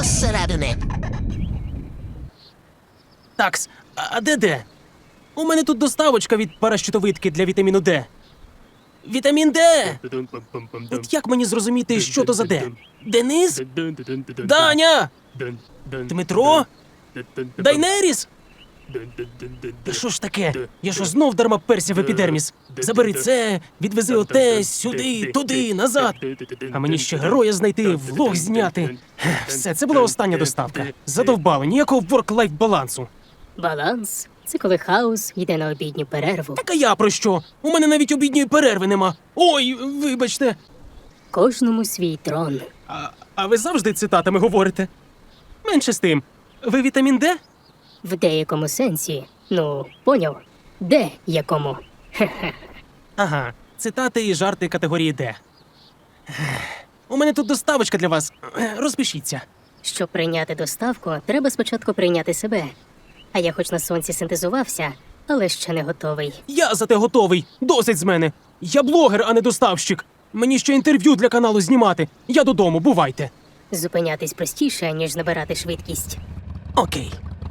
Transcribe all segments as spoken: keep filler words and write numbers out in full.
зсередини. Такс, а де де? У мене тут доставочка від паращитовидки для вітаміну Д. Вітамін Д! От як мені зрозуміти, що то за Д? Денис? Даня! Дмитро? Дайнеріс? Та що ж таке? Я що знов дарма перся в епідерміс? Забери це, відвези оте, сюди, туди, назад. А мені ще героя знайти, влог зняти. Все, це була остання доставка. Задовбали, ніякого ворк-лайф балансу. Баланс – це коли хаос йде на обідню перерву. Так а я про що? У мене навіть обідньої перерви нема. Ой, вибачте. Кожному свій трон. А, а ви завжди цитатами говорите? Менше з тим. Ви вітамін Д? В деякому сенсі. Ну, поняв? Де якому? Хе-хе. Ага, цитати і жарти категорії Д. У мене тут доставочка для вас. Розпишіться. Щоб прийняти доставку, треба спочатку прийняти себе. А я хоч на сонці синтезувався, але ще не готовий. Я зате готовий. Досить з мене. Я блогер, а не доставщик. Мені ще інтерв'ю для каналу знімати. Я додому, бувайте. Зупинятись простіше, ніж набирати швидкість. Окей.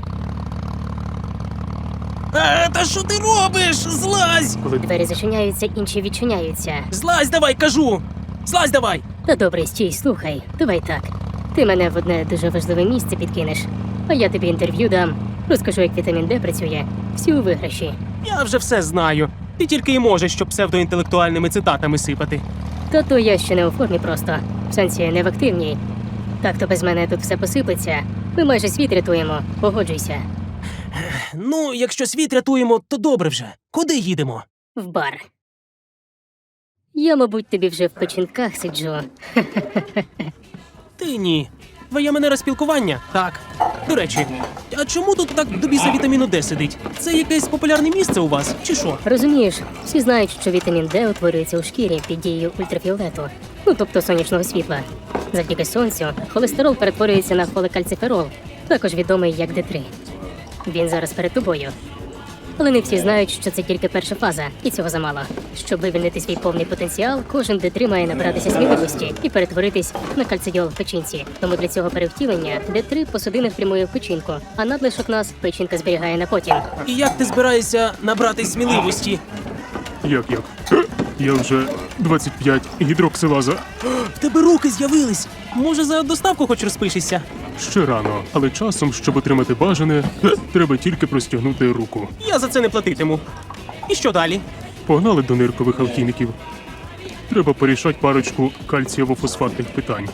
А, та що ти робиш? Злазь! Коли двері зачиняються, інші відчиняються. Злазь давай, кажу! Злазь давай! Та добре, стій, слухай. Давай так. Ти мене в одне дуже важливе місце підкинеш, а я тобі інтерв'ю дам. Розкажу, як вітамін Д працює. Всі у виграші. Я вже все знаю. Ти тільки й можеш, щоб псевдоінтелектуальними цитатами сипати. Та то я ще не у формі просто. В сенсі не в активній. Так то без мене тут все посипеться. Ми майже світ рятуємо. Погоджуйся. Ну, якщо світ рятуємо, то добре вже. Куди їдемо? В бар. Я, мабуть, тобі вже в печінках сиджу. Ти ні. Твоя манера спілкування? Так. До речі, а чому тут так до біса вітаміну Д сидить? Це якесь популярне місце у вас, чи що? Розумієш, всі знають, що вітамін Д утворюється у шкірі під дією ультрафіолету. Ну, тобто сонячного світла. Завдяки сонцю холестерол перетворюється на холекальциферол, також відомий як Д три. Він зараз перед тобою. Але не всі знають, що це тільки перша фаза, і цього замало. Щоб вивільнити свій повний потенціал, кожен Д три має набратися сміливості і перетворитись на кальцидіол в печінці. Тому для цього перевтілення Д три по судинах прямує в печінку, а надлишок нас печінка зберігає на потім. І як ти збираєшся набрати сміливості? Як як? Е, Я вже двадцять п'ять гідроксилаза. В тебе руки з'явились. Може, за доставку хоч розпишешся? Ще рано, але часом, щоб отримати бажане, е, треба тільки простягнути руку. Я за це не платитиму. І що далі? Погнали до ниркових алхіміків. Треба порішати парочку кальцієво-фосфатних питань.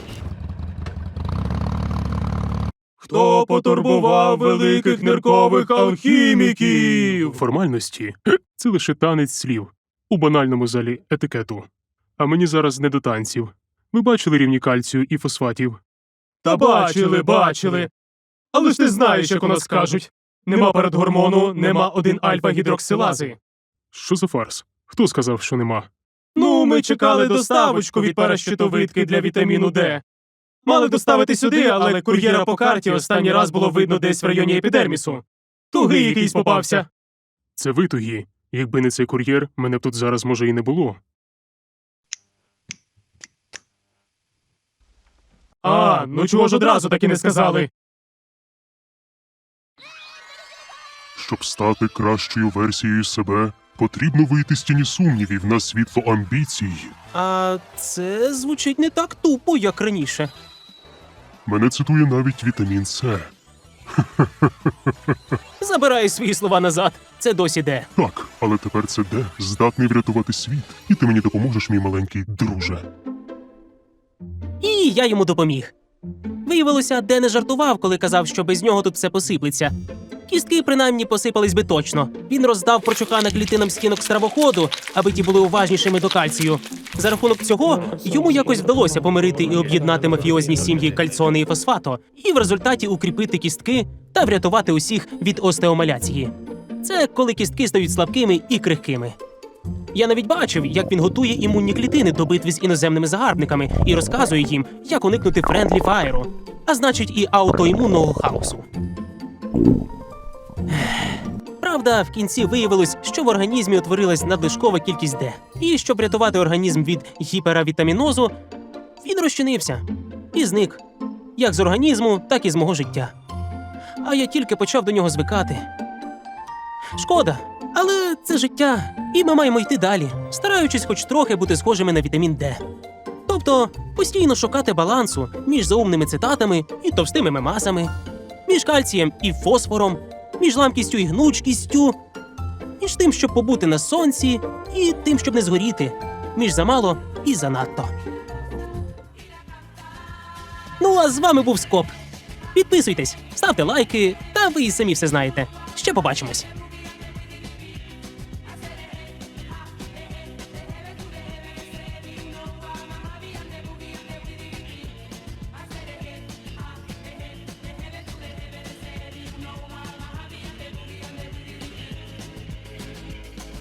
Хто потурбував великих ниркових алхіміків? Формальності е, – це лише танець слів у банальному залі етикету. А мені зараз не до танців. Ви бачили рівні кальцію і фосфатів? Та бачили, бачили. Але ж ти знаєш, як у нас кажуть. Нема передгормону, нема один альфа-гідроксилази. Що за фарс? Хто сказав, що нема? Ну, ми чекали доставочку від паращитовидки для вітаміну Д. Мали доставити сюди, але кур'єра по карті останній раз було видно десь в районі епідермісу. Тугий якийсь попався. Це ви тугі. Якби не цей кур'єр, мене б тут зараз, може, і не було. А, ну чого ж одразу так і не сказали? Щоб стати кращою версією себе, потрібно вийти з тіні сумнівів на світло амбіцій. А це звучить не так тупо, як раніше. Мене цитує навіть вітамін С. Забираю свої слова назад. Це досі Д. Так, але тепер це Д здатний врятувати світ. І ти мені допоможеш, мій маленький друже. І я йому допоміг. Виявилося, Д не жартував, коли казав, що без нього тут все посиплеться. Кістки принаймні посипались би точно. Він роздав прочухана клітинам стінок стравоходу, аби ті були уважнішими до кальцію. За рахунок цього йому якось вдалося помирити і об'єднати мафіозні сім'ї Кальцоне і Фосфато, і в результаті укріпити кістки та врятувати усіх від остеомаляції. Це коли кістки стають слабкими і крихкими. Я навіть бачив, як він готує імунні клітини до битви з іноземними загарбниками і розказує їм, як уникнути френдлі фаєру, а значить і аутоімунного хаосу. Правда, в кінці виявилось, що в організмі утворилась надлишкова кількість Д. І щоб врятувати організм від гіперавітамінозу, він розчинився і зник. як з організму, так і з мого життя. А я тільки почав до нього звикати. Шкода, але це життя, і ми маємо йти далі, стараючись хоч трохи бути схожими на вітамін Д. Тобто постійно шукати балансу між заумними цитатами і товстими мемасами, між кальцієм і фосфором, між ламкістю і гнучкістю, між тим, щоб побути на сонці, і тим, щоб не згоріти, між замало і занадто. Ну, а з вами був Скоп. Підписуйтесь, ставте лайки, та ви і самі все знаєте. Ще побачимось.